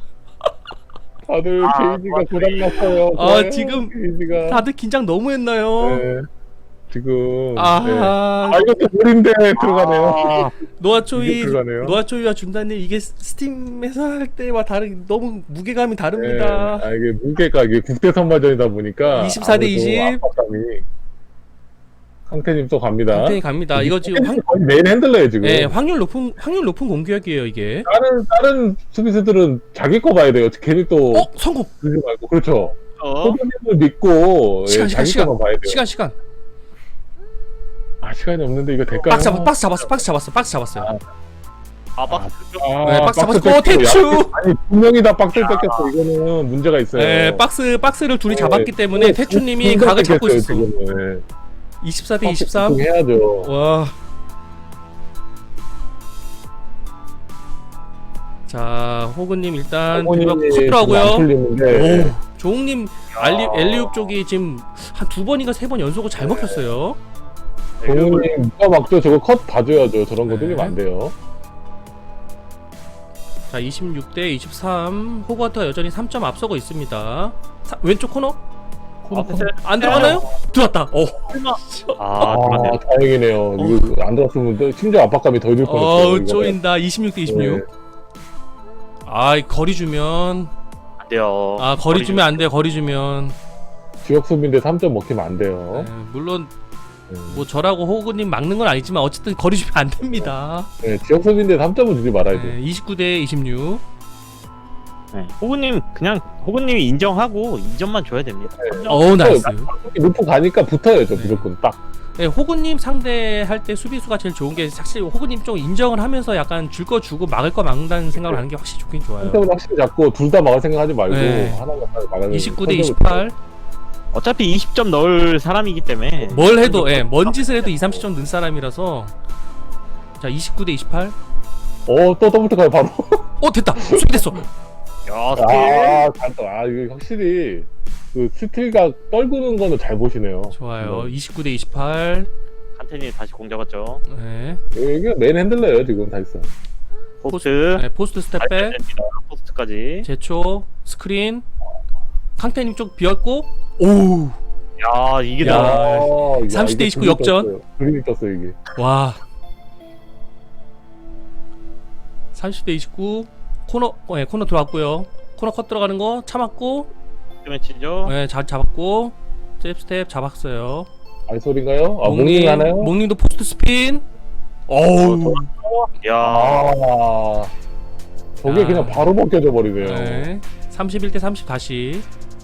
Speaker 1: 다들
Speaker 3: 아,
Speaker 1: 게이지가
Speaker 3: 노아초이.
Speaker 1: 고장났어요.
Speaker 2: 아,
Speaker 1: 좋아요,
Speaker 2: 지금
Speaker 1: 게이지가.
Speaker 2: 다들 긴장 너무 했나요?
Speaker 1: 네. 지금. 네.
Speaker 2: 아,
Speaker 1: 아, 이것도 볼인데 들어가네요.
Speaker 3: 아,
Speaker 2: 노아
Speaker 1: 이게
Speaker 2: 초이,
Speaker 1: 들어가네요.
Speaker 2: 노아 초이와 준다님 이게 스팀에서 할 때와 다른 너무 무게감이
Speaker 1: 네.
Speaker 2: 다릅니다.
Speaker 1: 아, 이게 무게가 이게 국대 선발전이다 보니까.
Speaker 2: 이십사 대
Speaker 1: 아무래도
Speaker 2: 이십.
Speaker 1: 압박감이. 강태님 또 갑니다.
Speaker 2: 강태님 갑니다. 이거 지금 확,
Speaker 1: 거의 메인 핸들러예요, 지금.
Speaker 2: 네, 확률 높은 확률 높은 공격이에요 이게.
Speaker 1: 다른, 다른 수비수들은 자기 거 봐야 돼요. 괜히 또.
Speaker 2: 어, 성공.
Speaker 1: 그러지 말고. 그렇죠.
Speaker 3: 어?
Speaker 1: 호드님을 믿고.
Speaker 2: 시간
Speaker 1: 예,
Speaker 2: 시간
Speaker 1: 자기
Speaker 2: 시간
Speaker 1: 거만 봐야 돼요.
Speaker 2: 시간 시간.
Speaker 1: 아, 시간이 없는데 이거 될까요?
Speaker 2: 박스 잡았 박스 잡았어 박스 잡았어 박스 잡았어요.
Speaker 3: 아, 박스.
Speaker 1: 아,
Speaker 2: 네, 박스 잡았고
Speaker 1: 뺏기고.
Speaker 2: 대추.
Speaker 1: 야, 아니, 두 명이 다 박스를 뺏겼어. 이거는 문제가 있어요.
Speaker 2: 네, 박스 박스를 둘이
Speaker 1: 네.
Speaker 2: 잡았기 때문에
Speaker 1: 네,
Speaker 2: 태추님이
Speaker 1: 둘다
Speaker 2: 각을 잡고
Speaker 1: 뺏겼어요,
Speaker 2: 있었어.
Speaker 1: 지금은.
Speaker 2: 이십사 대
Speaker 1: 박스
Speaker 2: 이십삼.
Speaker 1: 해야죠.
Speaker 2: 와. 자, 호그님 일단 드리블 커트라고요.
Speaker 1: 풀리는데.
Speaker 2: 오, 조웅님 알리 엘리웁 쪽이 지금 한 두 번인가 세 번 연속으로 잘 먹혔어요.
Speaker 1: 동훈님 누가 막죠? 저거 컷 봐줘야죠. 저런 거
Speaker 2: 네.
Speaker 1: 들리면 안 돼요.
Speaker 2: 자, 이십육 대 이십삼. 호그와트가 여전히 삼 점 앞서고 있습니다. 사, 왼쪽 코너
Speaker 1: 코너, 코너.
Speaker 2: 안 들어가나요? 들어왔다. 어.
Speaker 3: 아,
Speaker 1: 아,
Speaker 3: 그러네요.
Speaker 1: 다행이네요. 이거 안 들었으면 또 심지어 압박감이 더 들 뻔했어요.
Speaker 2: 어우,
Speaker 1: 이거는.
Speaker 2: 쪼인다. 이십육 대 이십육.
Speaker 1: 네.
Speaker 2: 아, 거리 주면
Speaker 3: 안 돼요.
Speaker 2: 아, 거리 주면 안 돼요. 거리 주면.
Speaker 1: 지역 수비인데 삼 점 먹히면 안 돼요.
Speaker 2: 네, 물론
Speaker 1: 네.
Speaker 2: 뭐 저라고 호그님 막는 건 아니지만 어쨌든 거리 주면 안 됩니다.
Speaker 1: 네, 지역 수비인데 삼 점은 주지 말아야죠.
Speaker 2: 네, 이십구 대 이십육.
Speaker 3: 네. 호구님 그냥 호구님이 인정하고 이 점만 줘야 됩니다.
Speaker 2: 어우, 나이스.
Speaker 1: 루프 가니까 붙어야죠.
Speaker 2: 네.
Speaker 1: 무조건 딱.
Speaker 2: 네, 호구님 상대할 때 수비수가 제일 좋은 게 사실 호구님 좀 인정을 하면서 약간 줄 거 주고 막을 거 막는다는 생각을 하는 게 확실히 좋긴 좋아요.
Speaker 1: 삼 점은 확실히 잡고 둘 다 막을 생각하지 말고
Speaker 2: 네.
Speaker 1: 하나만 딱 막아야
Speaker 2: 이십구 대 이십팔.
Speaker 3: 어차피 이십 점 넣을 사람이기 때문에
Speaker 2: 뭘 해도 예, 뭔 짓을 해도 이, 삼십 점 넣은 사람이라서. 자, 이십구 대 이십팔.
Speaker 1: 어, 또 더블트 가요, 바로.
Speaker 2: 어, 됐다. 수비 됐어.
Speaker 3: 야, 스틸.
Speaker 1: 아, 잘 떠. 아, 이거 확실히 그 스틸가 떨구는 거는 잘 보시네요.
Speaker 2: 좋아요. 이십구 대 이십팔.
Speaker 3: 칸텐이 다시 공 잡았죠.
Speaker 2: 네.
Speaker 1: 이게 메인 핸들러예요, 지금 사실상.
Speaker 3: 포스트.
Speaker 2: 네, 포스트 스텝백.
Speaker 3: 됩니다. 포스트까지.
Speaker 2: 제초 스크린. 강태님 쪽 비었고. 오우.
Speaker 3: 야, 이게
Speaker 2: 야.
Speaker 3: 나.
Speaker 1: 아,
Speaker 2: 삼십 대 이십구 역전.
Speaker 1: 그림이 떴어요, 이게.
Speaker 2: 와. 삼십 대 이십구. 코너 어, 예, 코너 들어왔고요. 코너 컷 들어가는 거 참았고.
Speaker 3: 매치죠.
Speaker 2: 예, 잘 잡았고. 잽 스텝 잡았어요.
Speaker 1: 알솔인가요? 아,
Speaker 2: 목님,
Speaker 1: 목님 하나요?
Speaker 2: 목님도 포스트 스핀. 어우.
Speaker 3: 야,
Speaker 1: 아, 저게
Speaker 2: 야.
Speaker 1: 그냥 바로 벗겨져 버리네요.
Speaker 2: 네. 삼십일 대 삼십 다시.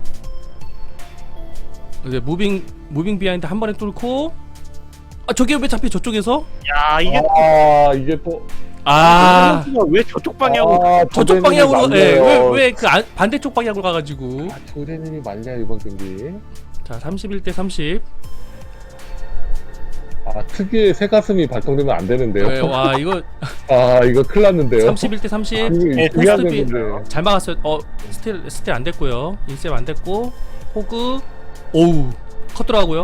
Speaker 2: 이제 무빙 무빙 비하인드 한 번에 뚫고. 아, 저게 왜 잡혀 저쪽에서?
Speaker 3: 야, 이게
Speaker 1: 아, 이게 또.
Speaker 2: 아,
Speaker 3: 왜 저쪽 방향으로?
Speaker 1: 아,
Speaker 2: 저쪽
Speaker 1: 조대님이
Speaker 2: 방향으로. 예,
Speaker 1: 말려요.
Speaker 2: 왜왜 그 반대쪽 방향으로 가가지고.
Speaker 1: 아, 조대님이 말려, 이번 경기.
Speaker 2: 자, 삼십일 대 삼십.
Speaker 1: 아, 특유의 새 가슴이 발동되면 안 되는데요.
Speaker 2: 네, 와, 이거
Speaker 1: 아, 이거 큰일 났는데요.
Speaker 2: 삼십일 대 삼십.
Speaker 1: 이거
Speaker 2: 어,
Speaker 1: 중요한
Speaker 2: 포스트 비
Speaker 1: 건데.
Speaker 2: 잘 막았어요. 어, 스틸 스틸 안 됐고요. 인셉 안 됐고. 호그. 오우. 컷 들어가고요.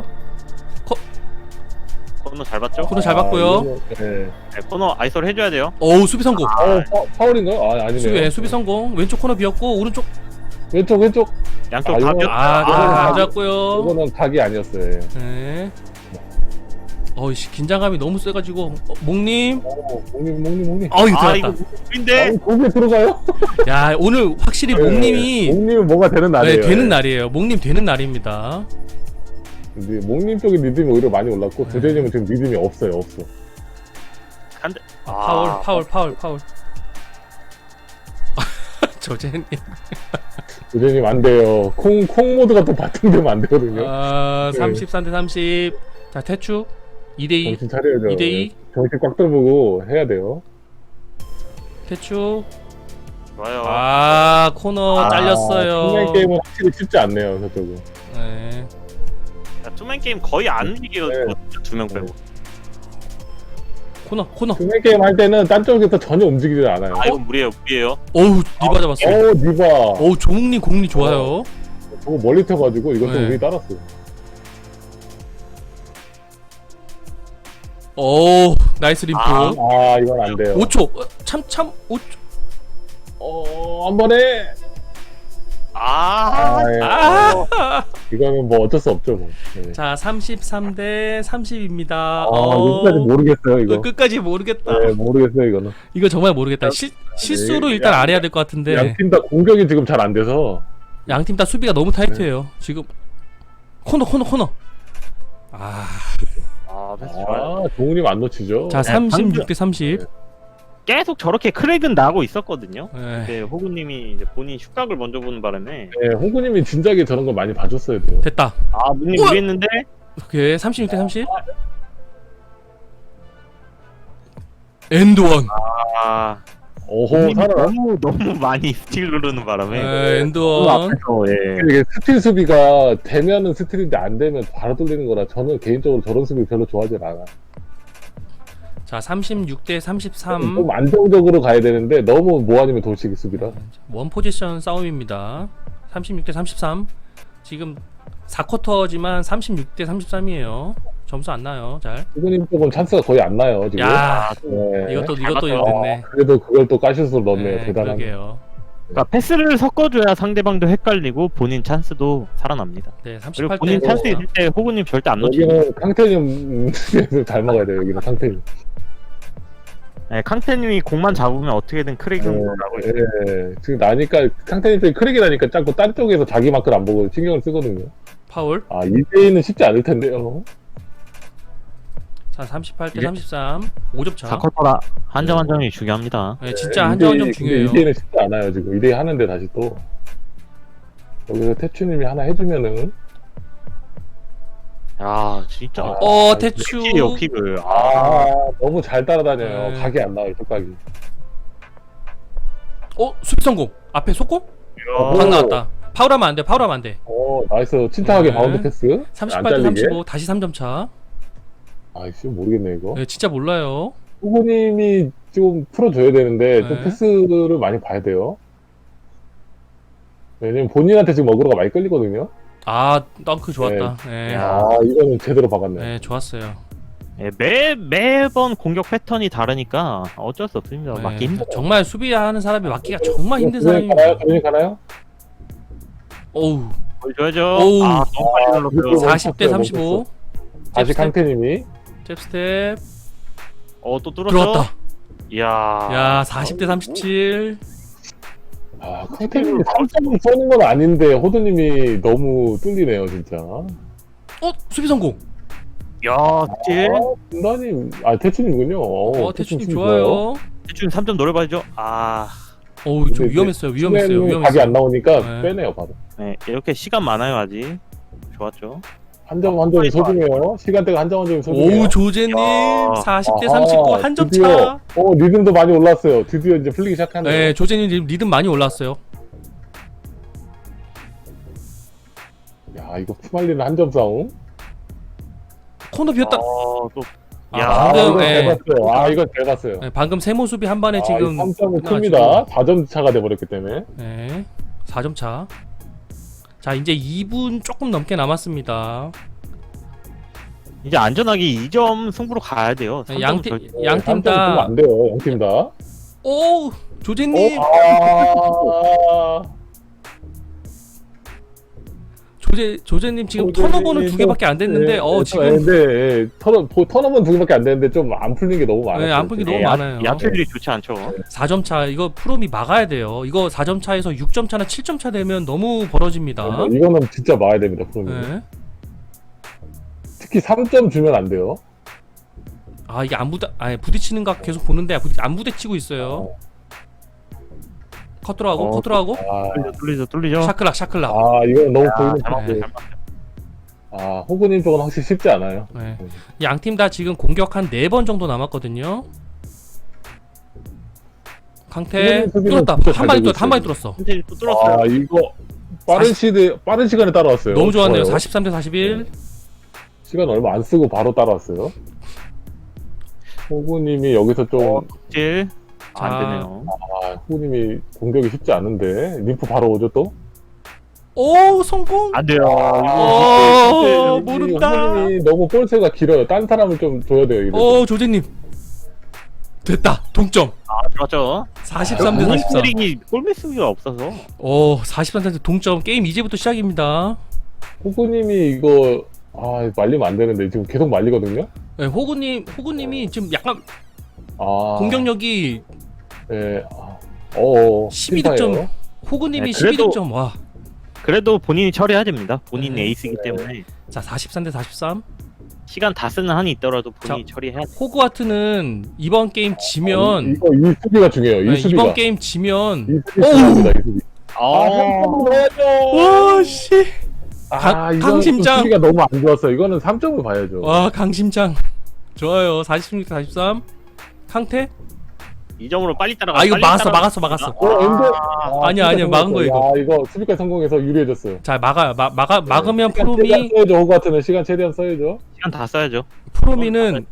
Speaker 3: 코너 잘 봤죠?
Speaker 2: 코너 잘
Speaker 1: 아,
Speaker 2: 봤고요.
Speaker 1: 이거, 네.
Speaker 3: 네, 코너 아이솔 해줘야 돼요.
Speaker 2: 오우, 수비 성공.
Speaker 1: 어, 파, 파울인가요? 아, 아니네요.
Speaker 2: 수비, 예, 수비 성공. 왼쪽 코너 비었고 오른쪽.
Speaker 1: 왼쪽, 왼쪽.
Speaker 3: 양쪽
Speaker 1: 아,
Speaker 3: 다
Speaker 1: 이거-
Speaker 3: 뼈.
Speaker 2: 아,
Speaker 1: 아,
Speaker 2: 안
Speaker 1: 아,
Speaker 2: 잡고요.
Speaker 1: 이거는 각이 아니었어요.
Speaker 2: 네. 어이씨, 긴장감이 너무 세가지고. 어, 목님.
Speaker 1: 오, 목님, 목님, 목님.
Speaker 2: 어이,
Speaker 3: 아, 이거
Speaker 2: 들어갔다.
Speaker 3: 무인데.
Speaker 1: 아, 거기에 들어가요?
Speaker 2: 야, 오늘 확실히 목님이.
Speaker 1: 네, 목님은 뭐가 되는
Speaker 2: 네,
Speaker 1: 날이에요.
Speaker 2: 되는 날이에요. 목님 되는 날입니다.
Speaker 1: 근데 목님 쪽에 리듬이 오히려 많이 올랐고
Speaker 2: 네.
Speaker 1: 조대님은 지금 리듬이 없어요, 없어.
Speaker 3: 한대.
Speaker 2: 아, 파울,
Speaker 3: 아,
Speaker 2: 파울, 파울, 파울. 조제님.
Speaker 1: 조대님 안 돼요. 콩, 콩 모드가 또 발동되면 안 되거든요.
Speaker 2: 아,
Speaker 1: 네.
Speaker 2: 삼십삼 대 삼십. 자, 태추. 이 대 이.
Speaker 1: 정신 차려야죠.
Speaker 2: 이 대 이.
Speaker 1: 정신 꽉 떠보고 해야 돼요.
Speaker 2: 태추.
Speaker 3: 좋아요.
Speaker 2: 아, 코너
Speaker 3: 아,
Speaker 2: 잘렸어요.
Speaker 1: 투맨 게임은 확실히 쉽지 않네요, 저쪽은.
Speaker 2: 네.
Speaker 3: 야, 투맨 게임 거의 안 이기거든요. 두명 빼고.
Speaker 2: 코너 코너.
Speaker 1: 스낵 게임 할 때는 딴 쪽에서 전혀 움직이지 않아요.
Speaker 3: 아 이거 무리예요 무리예요.
Speaker 2: 어우 리바 잡았어.
Speaker 1: 어 니바.
Speaker 2: 어우 조웅님 공리 좋아요.
Speaker 1: 저거 멀리 튀어가지고 이것도
Speaker 2: 네.
Speaker 1: 우리 따랐어요.
Speaker 2: 오 나이스 림프.
Speaker 3: 아.
Speaker 1: 아 이건 안 돼요.
Speaker 2: 오 초. 참참 오 초.
Speaker 1: 어한 번에.
Speaker 3: 아,
Speaker 1: 아, 예.
Speaker 2: 아.
Speaker 1: 이거는 뭐 어쩔 수 없죠 뭐. 네.
Speaker 2: 자 삼십삼 대 삼십입니다.
Speaker 1: 아 여기까지 모르겠어요 이거.
Speaker 2: 끝까지 모르겠다.
Speaker 1: 네 모르겠어요 이거는.
Speaker 2: 이거 정말 모르겠다. 실 실수로 일단 안 해야 될 것 같은데
Speaker 1: 양 팀 다 공격이 지금 잘 안 돼서.
Speaker 2: 양 팀 다 수비가 너무 타이트해요. 지금 코너 코너 코너. 아.
Speaker 3: 아 패스 좋아요.
Speaker 1: 아 동훈님 안 놓치죠.
Speaker 2: 자
Speaker 3: 네,
Speaker 2: 삼십육 대 삼십.
Speaker 3: 계속 저렇게 크랙은 나고 있었거든요.
Speaker 2: 네.
Speaker 3: 근데 호구님이 이제 본인 슛각을 먼저 보는 바람에
Speaker 1: 네 홍구님이 진작에 저런 걸 많이 봐줬어야 돼요.
Speaker 2: 됐다.
Speaker 3: 아 문님
Speaker 2: 우와!
Speaker 3: 무리했는데
Speaker 2: 오케이 삼십육 대 삼십. 엔드원.
Speaker 3: 아
Speaker 1: 오호
Speaker 3: 문님이
Speaker 1: 살아.
Speaker 3: 너무 너무 많이 스틸 누르는 바람에
Speaker 2: 네, 엔드원.
Speaker 3: 앞에서 예.
Speaker 1: 이게 스틸 수비가 되면은 스틸인데 안 되면 바로 뚫리는 거라 저는 개인적으로 저런 수비 별로 좋아하지 않아.
Speaker 2: 자 삼십육 대 삼십삼.
Speaker 1: 좀 안정적으로 가야 되는데 너무 뭐 아니면 돌치기 수비라.
Speaker 2: 원 포지션 싸움입니다. 삼십육 대 삼십삼. 지금 사 쿼터지만 삼십육 대 삼십삼이에요. 점수 안 나요. 잘.
Speaker 1: 후보님 쪽은 찬스가 거의 안 나요 지금.
Speaker 2: 야,
Speaker 1: 네.
Speaker 2: 이것도
Speaker 3: 잘
Speaker 2: 이것도
Speaker 3: 맞다.
Speaker 2: 됐네.
Speaker 1: 그래도 그걸 또 까슛으로 넣네요.
Speaker 2: 네,
Speaker 1: 대단한.
Speaker 2: 그러게요.
Speaker 3: 그러니까 패스를 섞어줘야 상대방도 헷갈리고 본인 찬스도 살아납니다.
Speaker 2: 네,
Speaker 3: 그리고
Speaker 2: 삼십팔 대
Speaker 3: 본인 찬스 있을 때 호구님 절대 안 놓치고
Speaker 1: 여기는 캉테님 잘 먹어야 돼요. 여기는 캉테님.
Speaker 3: 네, 캉테님이 공만 잡으면 어떻게든 크랙은
Speaker 1: 네,
Speaker 3: 나고 있어요.
Speaker 1: 네. 지금 나니까 캉테님 쪽이 크랙이 나니까 자꾸 딴 쪽에서 자기 마크를 안 보고 신경을 쓰거든요.
Speaker 2: 파울.
Speaker 1: 아 이대인은 쉽지 않을 텐데요.
Speaker 2: 자 삼십팔 대
Speaker 3: 이게-
Speaker 2: 삼십삼. 오 점 차.
Speaker 3: 사 쿼터라 한 점 한 점이 중요합니다.
Speaker 2: 네, 진짜 한 점 한 점 중요해요.
Speaker 1: 이대인은 쉽지 않아요 지금. 이대인 하는데 다시 또 여기서 태추님이 하나 해주면은
Speaker 3: 야 진짜.
Speaker 1: 아,
Speaker 2: 어 태추.
Speaker 3: 킥이에요 킥을. 아,
Speaker 1: 아 너무 잘 따라다녀요.
Speaker 2: 네.
Speaker 1: 각이 안 나와요 뚝각이.
Speaker 2: 어 수비 성공. 앞에 속공?
Speaker 1: 어,
Speaker 2: 방 나왔다. 파울하면 안 돼. 파울하면 안 돼.
Speaker 1: 어 나이스 침착하게
Speaker 2: 네.
Speaker 1: 바운드 패스.
Speaker 2: 삼십팔
Speaker 1: 안
Speaker 2: 대
Speaker 1: 잘리게.
Speaker 2: 삼십오. 다시 삼 점 차.
Speaker 1: 아이씨 모르겠네 이거.
Speaker 2: 네, 진짜 몰라요.
Speaker 1: 후보님이 좀 풀어줘야 되는데 좀
Speaker 2: 네.
Speaker 1: 패스를 많이 봐야 돼요. 왜냐면 본인한테 지금 어그로가 많이 끌리거든요.
Speaker 2: 아 덩크 좋았다. 네.
Speaker 3: 야.
Speaker 1: 아 이거는 제대로 박았네.
Speaker 2: 네, 좋았어요.
Speaker 3: 예, 매 매번 공격 패턴이 다르니까 어쩔 수 없습니다.
Speaker 2: 네,
Speaker 3: 맞기 힘들어.
Speaker 2: 정말 수비하는 사람이 맞기가 정말 힘든
Speaker 1: 그러니 가나요?
Speaker 2: 사람입니다.
Speaker 1: 그러니 가나요?
Speaker 3: 어,
Speaker 2: 어우.
Speaker 3: 보여줘야죠.
Speaker 2: 오우.
Speaker 3: 아 너무 빨리
Speaker 1: 아,
Speaker 3: 눌렀어요.
Speaker 1: 이거-
Speaker 2: 사십 대 삼십오.
Speaker 1: 다시
Speaker 2: 잽스텝.
Speaker 1: 캉테님이
Speaker 2: 잽스텝.
Speaker 3: 어또 뚫었죠.
Speaker 2: 들어왔다.
Speaker 3: 이야.
Speaker 2: 야, 사십 대 삼십칠.
Speaker 1: 아 캉테님이 삼 점 쏘는 건 아닌데 호두님이 너무 뚫리네요 진짜.
Speaker 2: 어, 수비 성공.
Speaker 3: 야, 그치?
Speaker 1: 아, 분단님, 아 태춘님군요.
Speaker 2: 어, 태춘님 좋아요.
Speaker 3: 대충 삼 점 노려봐야죠. 아,
Speaker 2: 어우, 좀
Speaker 1: 근데
Speaker 2: 위험했어요. 위험했어요.
Speaker 1: 각이
Speaker 2: 위험했어요.
Speaker 1: 안 나오니까
Speaker 2: 네.
Speaker 1: 빼네요 바로.
Speaker 3: 네, 이렇게 시간 많아요 아직. 좋았죠.
Speaker 1: 한 점 한 점이 소중해요. 시간대가 한 점 한 점이 소중해요.
Speaker 2: 오우, 조제님.
Speaker 3: 야.
Speaker 2: 사십 대
Speaker 1: 아하,
Speaker 2: 삼십구 한 점
Speaker 1: 드디어,
Speaker 2: 차.
Speaker 1: 어 리듬도 많이 올랐어요. 드디어 이제 풀리기 시작하네요.
Speaker 2: 네, 조제님 리듬- 리듬 많이 올랐어요.
Speaker 1: 야 이거 푸말리는 한 점 싸움.
Speaker 2: 코너 비었다.
Speaker 3: 어, 또
Speaker 2: 아,
Speaker 3: 야,
Speaker 1: 아
Speaker 2: 방금,
Speaker 1: 이거
Speaker 2: 예.
Speaker 1: 잘 봤어요. 아 이거 잘 봤어요.
Speaker 2: 네, 방금 세모 수비 한 번에 지금
Speaker 1: 삼 점은
Speaker 2: 끝나가지고.
Speaker 1: 큽니다. 사 점 차가 돼버렸기 때문에.
Speaker 2: 네, 사 점 차. 자, 이제 이 분 조금 넘게 남았습니다.
Speaker 3: 이제 안전하게 이 점 승부로 가야 돼요.
Speaker 2: 네,
Speaker 3: 삼
Speaker 2: 양
Speaker 3: 점은
Speaker 2: 팀-
Speaker 3: 절대-
Speaker 2: 양 팀 다-
Speaker 1: 안 돼요. 양 팀 다.
Speaker 2: 오, 조제님.
Speaker 1: 어, 아,
Speaker 2: 조제 조제님 지금
Speaker 1: 조제님
Speaker 2: 턴오버는 두 개밖에 안 됐는데,
Speaker 1: 네,
Speaker 2: 어
Speaker 1: 네,
Speaker 2: 지금
Speaker 1: 네, 턴 턴오버는 두 개밖에 안 됐는데 좀 안 풀린 게 너무 많아요.
Speaker 2: 네, 안 풀린 게 너무
Speaker 3: 네,
Speaker 2: 많아요.
Speaker 3: 야투들이 좋지 않죠.
Speaker 2: 사 점 차. 이거 프롬이 막아야 돼요. 이거 사 점 차에서 육 점 차나 칠 점 차 되면 너무 벌어집니다.
Speaker 1: 이거는 진짜 막아야 됩니다. 프로님.
Speaker 2: 네.
Speaker 1: 특히 삼 점 주면 안 돼요.
Speaker 2: 아, 이게 안 부딪 아니 부딪히는 각 계속 보는데 부딪- 안 부딪히고 있어요. 컷 들어가고
Speaker 3: 어,
Speaker 2: 컷 들어가고
Speaker 1: 아,
Speaker 3: 뚫리죠, 뚫리죠, 뚫리죠.
Speaker 2: 샤클락 샤클락.
Speaker 1: 아 이건 너무
Speaker 3: 야,
Speaker 1: 보이는
Speaker 3: 잘 맞네,
Speaker 1: 건데.
Speaker 3: 잘 맞네.
Speaker 1: 아 호구님 쪽은 확실히 쉽지 않아요.
Speaker 2: 네. 양 팀 다 지금 공격 한 네 번 정도 남았거든요. 강태
Speaker 1: 수비는
Speaker 2: 뚫었다.
Speaker 1: 진짜
Speaker 2: 한
Speaker 1: 잘
Speaker 2: 방에
Speaker 1: 되고
Speaker 2: 뚫었다. 한 방에
Speaker 1: 있어요.
Speaker 2: 뚫었어.
Speaker 3: 선생님 또 뚫었어요.
Speaker 1: 아 이거 빠른 시대 빠른 시간에 따라왔어요.
Speaker 2: 너무 좋았네요.
Speaker 1: 좋아요.
Speaker 2: 사십삼 대 사십일.
Speaker 1: 시간 얼마 안 쓰고 바로 따라왔어요. 호구님이 여기서 좀
Speaker 3: 질.
Speaker 2: 자.
Speaker 3: 안 되네요.
Speaker 1: 아, 호구님이 공격이 쉽지 않은데 림프 바로 오죠 또?
Speaker 2: 오 성공.
Speaker 3: 안 돼요.
Speaker 2: 오,
Speaker 1: 이
Speaker 2: 모른다.
Speaker 1: 호구님이 너무 볼세가 길어요. 딴 사람을 좀 줘야 돼요. 이래서.
Speaker 2: 오 조제님 됐다 동점.
Speaker 3: 아, 들었죠?
Speaker 2: 사십삼 대 사십사.
Speaker 3: 스링이 골매수가 없어서.
Speaker 2: 오 사십삼 대 동점. 게임 이제부터 시작입니다.
Speaker 1: 호구님이 이거 아 말리면 안 되는데 지금 계속 말리거든요.
Speaker 2: 네, 호구님 호구님이 지금 약간
Speaker 1: 아
Speaker 2: 공격력이
Speaker 1: 네. 아, 어
Speaker 2: 십이 득점. 호구님이
Speaker 3: 네,
Speaker 2: 십이
Speaker 3: 그래도-
Speaker 2: 득점. 와.
Speaker 3: 그래도 본인이 처리해야 됩니다. 본인
Speaker 2: 네.
Speaker 3: 에이스이기 때문에
Speaker 2: 자 사십삼 대 사십삼.
Speaker 3: 시간 다 쓰는 한이 있더라도 본인이
Speaker 2: 자,
Speaker 3: 처리해야 돼.
Speaker 2: 호그와트는 이번 게임 지면
Speaker 1: 이거 이 수비가 중요해요. 이
Speaker 2: 네,
Speaker 1: 수비가
Speaker 2: 이번 게임 지면
Speaker 1: 이 수비 중요합니다. 이 수비.
Speaker 3: 아,
Speaker 1: 아,
Speaker 2: 와씨
Speaker 1: 아,
Speaker 2: 강-
Speaker 1: 이건
Speaker 2: 강심장.
Speaker 1: 수비가 너무 안 좋았어. 이거는 삼 점을 봐야죠.
Speaker 2: 와 강심장 좋아요. 사십육 대 사십삼. 강태?
Speaker 3: 이 점으로 빨리 따라가.
Speaker 2: 아 이거
Speaker 3: 빨리
Speaker 2: 막았어
Speaker 3: 따라가.
Speaker 2: 막았어 막았어.
Speaker 1: 어, 엔드.
Speaker 3: 아,
Speaker 2: 아니야, 아니야, 막은 거, 이거.
Speaker 1: 야, 이거 수비까지 성공해서 유리해졌어요.
Speaker 2: 자 막아 마, 막아 막으면
Speaker 1: 시간
Speaker 2: 프로미
Speaker 1: 최대한 써야죠. 호구 같은 시간 최대한 써야죠.
Speaker 3: 시간 다 써야죠.
Speaker 2: 프로미는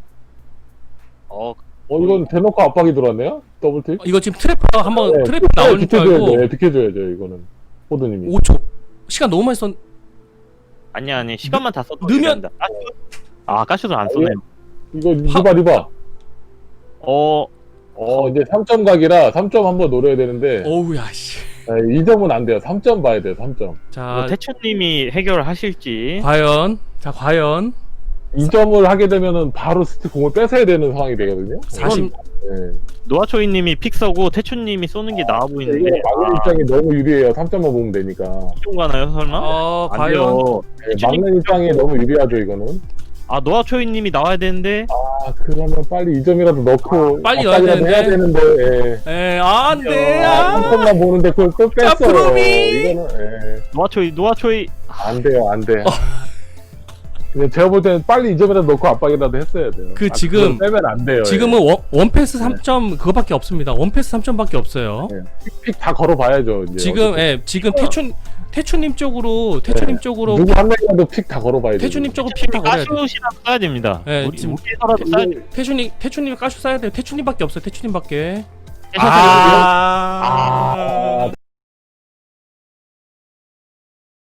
Speaker 3: 어,
Speaker 1: 어 이건 대놓고 압박이 들어왔네요. 더블킥.
Speaker 2: 이거 지금 트래퍼 한번
Speaker 1: 네,
Speaker 2: 트래퍼 나오는 줄 알고
Speaker 1: 비켜줘야죠. 네, 비켜줘야죠. 이거는 호드님이.
Speaker 2: 오 초 시간 너무 많이 썼.
Speaker 3: 아니야, 아니 시간만 다 써도
Speaker 2: 넣으면-
Speaker 3: 됩니다. 가슈? 아, 가슈도 안 쏘네.
Speaker 1: 이거
Speaker 2: 하-
Speaker 1: 리바 리바.
Speaker 3: 어,
Speaker 1: 어 이제 삼 점 각이라 삼 점 한번 노려야 되는데
Speaker 2: 어우야 씨.
Speaker 1: 네, 이 점은 안 돼요. 삼 점 봐야 돼요. 삼 점.
Speaker 2: 자
Speaker 3: 뭐 태춘님이 해결하실지.
Speaker 2: 과연 자 과연
Speaker 1: 이 점을 하게 되면은 바로 스티 공을 뺏어야 되는 상황이 되거든요.
Speaker 2: 사십
Speaker 1: 네.
Speaker 3: 노아초이님이 픽 서고 태춘님이 쏘는 게 나아
Speaker 1: 이거
Speaker 3: 보이는데.
Speaker 1: 막는 입장이 너무 유리해요. 삼 점만 보면 되니까.
Speaker 3: 이쪽 가나요, 설마?
Speaker 2: 어
Speaker 3: 안
Speaker 2: 과연
Speaker 3: 돼요.
Speaker 1: 네, 막는 입장이 너무 유리하죠. 이거는.
Speaker 3: 아, 노아초이님이 나와야 되는데.
Speaker 1: 아 그러면 빨리 이 점이라도 넣고
Speaker 2: 빨리 넣어야
Speaker 1: 압박이라도 해야 되는데. 예.
Speaker 2: 에 안돼
Speaker 1: 아, 한
Speaker 2: 아.
Speaker 1: 점만 보는데 그걸 또 뺐어요.
Speaker 2: 프로미!
Speaker 1: 이거는 예.
Speaker 3: 노아초이, 노아초이.
Speaker 1: 안 돼요, 안 돼. 그냥 제가 볼 때는 빨리 이 점이라도 넣고 압박이라도 했어야 돼요.
Speaker 2: 그
Speaker 1: 아,
Speaker 2: 지금-
Speaker 1: 그걸 빼면 안 돼요.
Speaker 2: 지금은 원, 원패스 삼 점 그거밖에 없습니다. 원패스 삼 점밖에 없어요.
Speaker 1: 픽 다 걸어봐야죠. 이제
Speaker 2: 지금 예 지금 태춘 태춘님 쪽으로 태춘님 쪽으로
Speaker 1: 누구 한 명이라도 픽 다 걸어봐야죠.
Speaker 2: 태춘님 쪽으로 픽 다 걸어야 돼.
Speaker 3: 가슈시라도 써야 됩니다.
Speaker 2: 네,
Speaker 3: 우리
Speaker 2: 지금-
Speaker 3: 우리에서라도 써야 돼.
Speaker 2: 태춘님 태춘님 까슈 써야 돼. 태춘님밖에 없어요. 태춘님밖에.
Speaker 3: 아,
Speaker 2: 아.
Speaker 1: 아,